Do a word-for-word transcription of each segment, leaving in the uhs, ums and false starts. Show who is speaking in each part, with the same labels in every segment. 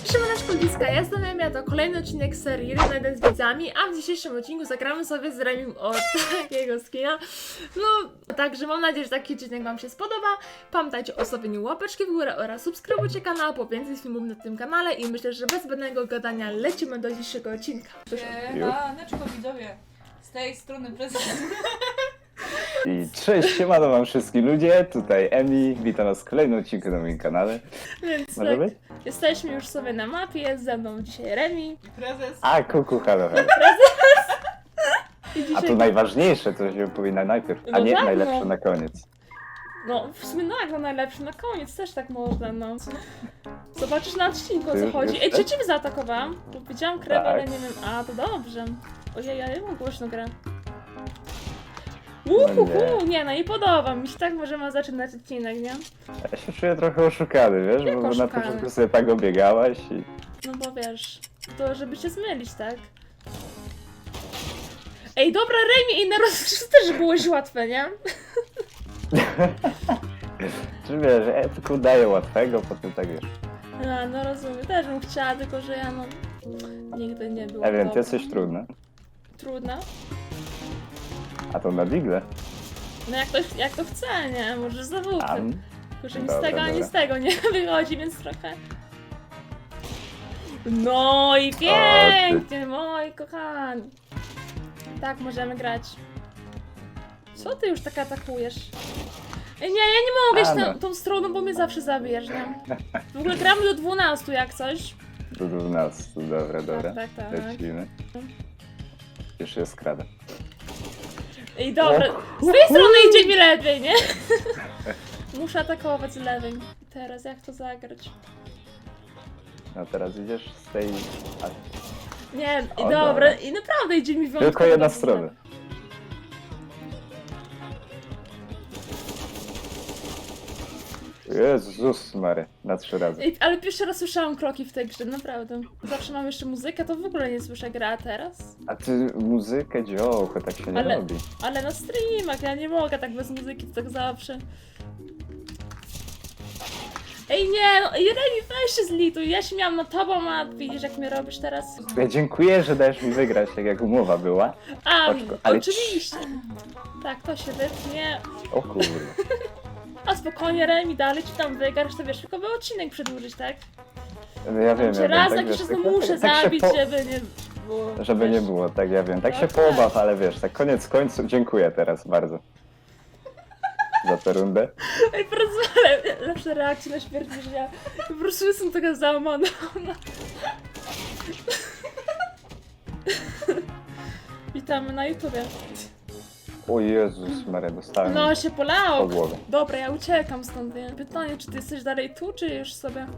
Speaker 1: Siemaneczko Liska, ja jestem Emia, to kolejny odcinek serii jeden na jeden z widzami, a w dzisiejszym odcinku zagramy sobie z Remim od takiego skina. No, także mam nadzieję, że taki odcinek wam się spodoba. Pamiętajcie o stawieniu łapeczki w górę oraz subskrybujcie kanał po więcej filmów na tym kanale i myślę, że bez zbędnego gadania lecimy do dzisiejszego odcinka.
Speaker 2: Siemaneczko widzowie, z tej strony prezes.
Speaker 3: I cześć, siemano wam wszystkim ludzie, tutaj Emi, witam was w kolejnym odcinku na moim kanale.
Speaker 1: Więc
Speaker 3: Może
Speaker 1: tak,
Speaker 3: być?
Speaker 1: jesteśmy już sobie na mapie, jest ze mną dzisiaj Remi.
Speaker 2: Prezes.
Speaker 3: A, kuku, halo, halo.
Speaker 1: I
Speaker 3: A
Speaker 1: dzisiaj...
Speaker 3: to najważniejsze, to się powinna najpierw, a
Speaker 1: No
Speaker 3: nie
Speaker 1: tak,
Speaker 3: najlepsze
Speaker 1: no.
Speaker 3: na koniec.
Speaker 1: No, w sumie no jak no najlepszy na koniec, też tak można, no. Zobaczysz na odcinku, o co
Speaker 3: Już-
Speaker 1: chodzi.
Speaker 3: już
Speaker 1: Ej,
Speaker 3: tak?
Speaker 1: czy ciebie zaatakowałam? Bo widziałam krew,
Speaker 3: Tak.
Speaker 1: ale nie wiem. A, to dobrze. Ojej, ale ja mam głośno grę. Uhuhu, nie. nie, no i podoba mi się, tak możemy zaczynać odcinek, nie?
Speaker 3: Ja się czuję trochę oszukany, wiesz,
Speaker 1: Jak
Speaker 3: bo na
Speaker 1: oszukany?
Speaker 3: początku sobie tak obiegałaś i...
Speaker 1: No bo wiesz, to żeby się zmylić, tak? Ej, dobra, Remi, i na rozgrywce też byłeś łatwe, nie?
Speaker 3: Czy wiesz, ja tylko daję łatwego, potem tak wiesz.
Speaker 1: A, no rozumiem, też bym chciała, tylko że ja no... Nigdy nie było
Speaker 3: Ja wiem, ty
Speaker 1: dobra.
Speaker 3: jesteś trudny.
Speaker 1: Trudno?
Speaker 3: A to na digle.
Speaker 1: No jak to, jak to chce, nie? Może za włókę.
Speaker 3: Tam.
Speaker 1: Tylko, że nic z
Speaker 3: Dobra,
Speaker 1: tego ani
Speaker 3: dobra.
Speaker 1: z tego nie wychodzi, więc trochę... No i pięknie, moi kochani. Tak, możemy grać. Co ty już tak atakujesz? Ej, nie, ja nie mogę
Speaker 3: A,
Speaker 1: iść
Speaker 3: no.
Speaker 1: tą, tą stroną, bo mnie zawsze zabijesz, nie? W ogóle gramy do dwunastu jak coś.
Speaker 3: Do dwunastu, dobra, dobra.
Speaker 1: Tak, tak, tak.
Speaker 3: Lecimy. Już się skrada.
Speaker 1: Ej, dobra, z tej strony idzie mi lepiej, nie? Muszę atakować z lewej. I teraz jak to zagrać?
Speaker 3: No teraz idziesz z tej... A,
Speaker 1: Nie, i
Speaker 3: O,
Speaker 1: dobra,
Speaker 3: dobra.
Speaker 1: i naprawdę idzie mi wyjątkowo
Speaker 3: tylko jedna
Speaker 1: dobrze z
Speaker 3: strona.
Speaker 1: lewej.
Speaker 3: Jezus Mary, na trzy razy.
Speaker 1: Ej, ale pierwszy raz słyszałam kroki w tej grze, naprawdę. Zawsze mam jeszcze muzykę, to w ogóle nie słyszę gra a teraz.
Speaker 3: A ty muzykę dziołko, tak się nie
Speaker 1: Ale-
Speaker 3: robi.
Speaker 1: Ale na streamach, ja nie mogę tak bez muzyki, to tak zawsze. Ej nie, no, ej Remi, weź się zlituj, ja się miałam na tobą, a widzisz jak mnie robisz teraz.
Speaker 3: Ja dziękuję, że dajesz mi wygrać, tak jak umowa była.
Speaker 1: A,
Speaker 3: Oczko, ale-
Speaker 1: oczywiście. Tak, to się wytnie.
Speaker 3: O kurde.
Speaker 1: A spokojnie Remi, dalej ci tam wygrasz, to wiesz, tylko by odcinek przedłużyć, tak?
Speaker 3: No ja wiem,
Speaker 1: Cię
Speaker 3: ja wiem,
Speaker 1: raz
Speaker 3: tak,
Speaker 1: tak
Speaker 3: wiesz,
Speaker 1: jeszcze
Speaker 3: tak,
Speaker 1: muszę
Speaker 3: tak się
Speaker 1: zabić,
Speaker 3: po-
Speaker 1: żeby nie było.
Speaker 3: Żeby nie
Speaker 1: wiesz.
Speaker 3: było, tak ja wiem. Tak
Speaker 1: Tak,
Speaker 3: się
Speaker 1: tak.
Speaker 3: poobaw, ale wiesz, tak koniec końców, dziękuję teraz bardzo. Za tę rundę.
Speaker 1: Ej, po prostu, ale lepsze reakcje na śmierć niż ja. Po prostu jestem taka załamana. Witamy na YouTubie.
Speaker 3: O Jezus Maria, dostałem
Speaker 1: No się polało.
Speaker 3: po głowie.
Speaker 1: Dobra, ja uciekam stąd, nie? Pytanie, czy ty jesteś dalej tu, czy już sobie...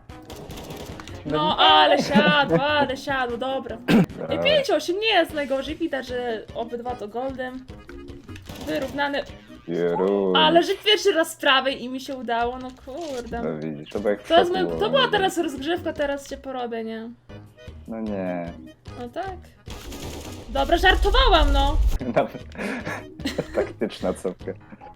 Speaker 1: No, ale siadło, ale siadło, dobra. Ej, pięć osiem nie jest najgorzej, widać, że obydwa to goldem. Wyrównane.
Speaker 3: Jeru.
Speaker 1: Ale że pierwszy raz z prawej i mi się udało, no kurde.
Speaker 3: No widzisz, to było jak w
Speaker 1: To, jest,
Speaker 3: szoku
Speaker 1: mój- to
Speaker 3: było.
Speaker 1: była teraz rozgrzewka, teraz cię porobię, nie?
Speaker 3: No nie.
Speaker 1: No tak. Dobra, żartowałam, no.
Speaker 3: Nawet taktyczna cofka.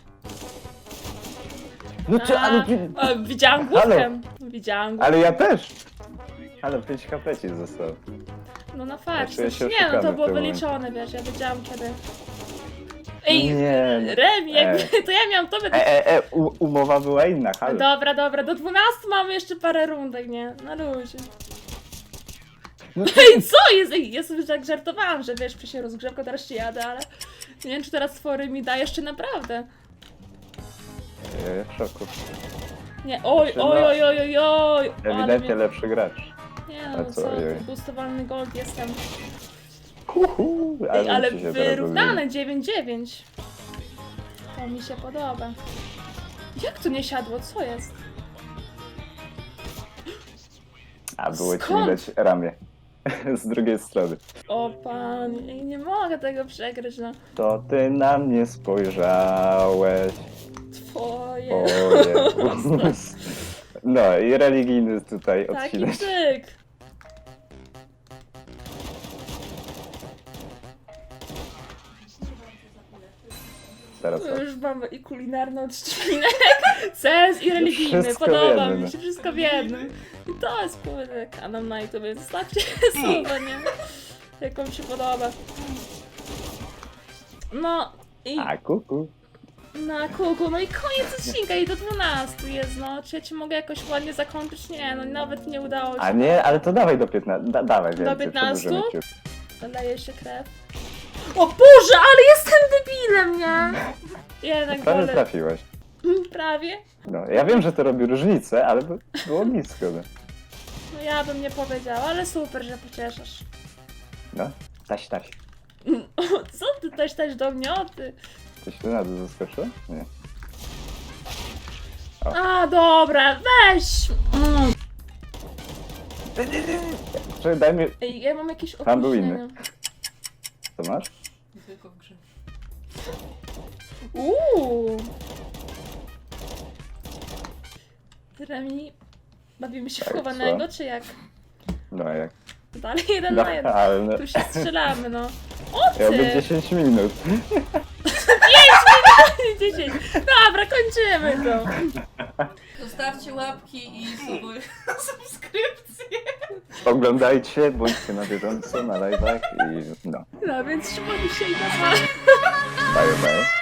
Speaker 3: No co,
Speaker 1: A,
Speaker 3: ale, ty-
Speaker 1: a, widziałam główkę. Widziałam główkę.
Speaker 3: ale ja też! Ale pięć H P ci zostało.
Speaker 1: No na fakt.
Speaker 3: czuję się
Speaker 1: Nie, no
Speaker 3: oszukany
Speaker 1: to
Speaker 3: w
Speaker 1: było
Speaker 3: tym
Speaker 1: wyliczone, wiesz, ja wiedziałam kiedy. Ej,
Speaker 3: Nie.
Speaker 1: Remi, jakby,
Speaker 3: Ej.
Speaker 1: to ja miałam tobie...
Speaker 3: E, e, e, u, umowa była inna, halo.
Speaker 1: Dobra, dobra, do dwunastu mamy jeszcze parę rundek, nie? Na luzie.
Speaker 3: No
Speaker 1: Ej, co jest? Ej, ja sobie tak żartowałam, że wiesz, się rozgrzewka, teraz się jadę, ale... Nie wiem, czy teraz twory mi da jeszcze naprawdę.
Speaker 3: Ja w szoku.
Speaker 1: Nie, oj,
Speaker 3: Znaczy,
Speaker 1: oj,
Speaker 3: no,
Speaker 1: oj, oj, oj, oj. ale
Speaker 3: Ewidentnie
Speaker 1: mnie-
Speaker 3: lepszy gracz.
Speaker 1: Nie
Speaker 3: A
Speaker 1: no,
Speaker 3: co,
Speaker 1: co,
Speaker 3: ojej.
Speaker 1: boostowalny gold jestem.
Speaker 3: Uhu,
Speaker 1: Ej, ale
Speaker 3: ci się zaraz
Speaker 1: wyrównane dziewięć dziewięć. To mi się podoba. Jak to nie siadło? Co jest?
Speaker 3: rozumie. A było ci
Speaker 1: Skąd?
Speaker 3: widać ramię. Z drugiej strony.
Speaker 1: O pan, ej, nie mogę tego przegryźć, no.
Speaker 3: To ty na mnie spojrzałeś.
Speaker 1: Twoje.
Speaker 3: Oje. No i religijny tutaj
Speaker 1: Taki
Speaker 3: odcinek.
Speaker 1: tyk.
Speaker 3: Teraz co?
Speaker 1: Już mamy i kulinarny odcinek, sens i religijny,
Speaker 3: Wszystko w
Speaker 1: podoba
Speaker 3: jednym.
Speaker 1: mi się, wszystko w jednym. I to jest płynny kanał na YouTube, więc zostawcie słowa, nie? Jak wam się podoba. No i
Speaker 3: A, kuku.
Speaker 1: na kuku, no i koniec odcinka i do dwunastu jest, no. Czy ja ci mogę jakoś ładnie zakończyć? Nie, no nawet nie udało się.
Speaker 3: A nie, ale to dawaj do piętnastu. Da, dawaj więcej,
Speaker 1: piętnastu?
Speaker 3: przedłużymy ci.
Speaker 1: Leje się krew. O Boże, ale jestem debilem, nie? Jednak
Speaker 3: Prawie
Speaker 1: wolę.
Speaker 3: trafiłeś.
Speaker 1: Prawie?
Speaker 3: No, ja wiem, że to robi różnicę, ale by- było blisko. No,
Speaker 1: No ja bym nie powiedziała, ale super, że pocieszasz.
Speaker 3: no. taś, taś.
Speaker 1: Co ty też też do mnie, o ty?
Speaker 3: Coś tu na dół zaskoczyło? Nie.
Speaker 1: A, dobra, weź! Mm.
Speaker 3: Czekaj, daj mi...
Speaker 1: Ej, ja mam jakieś
Speaker 3: Tam był
Speaker 1: opóźnienie.
Speaker 3: inny. Co masz?
Speaker 2: Nie tylko w grze.
Speaker 1: Uuu. Remi, bawimy się w
Speaker 3: Tak,
Speaker 1: chowanego,
Speaker 3: co?
Speaker 1: czy jak?
Speaker 3: No jak?
Speaker 1: Dalej jeden
Speaker 3: No,
Speaker 1: na jeden.
Speaker 3: ale no,
Speaker 1: Tu się strzelamy, no. O
Speaker 3: miałby
Speaker 1: ty!
Speaker 3: dziesięć minut.
Speaker 1: dziesięć. Dobra, kończymy to.
Speaker 2: Zostawcie łapki i suby- subskrypcje.
Speaker 3: Oglądajcie, bądźcie na bieżąco, na live'ach i no.
Speaker 1: No więc trzymamy się i na
Speaker 3: Bye, bye.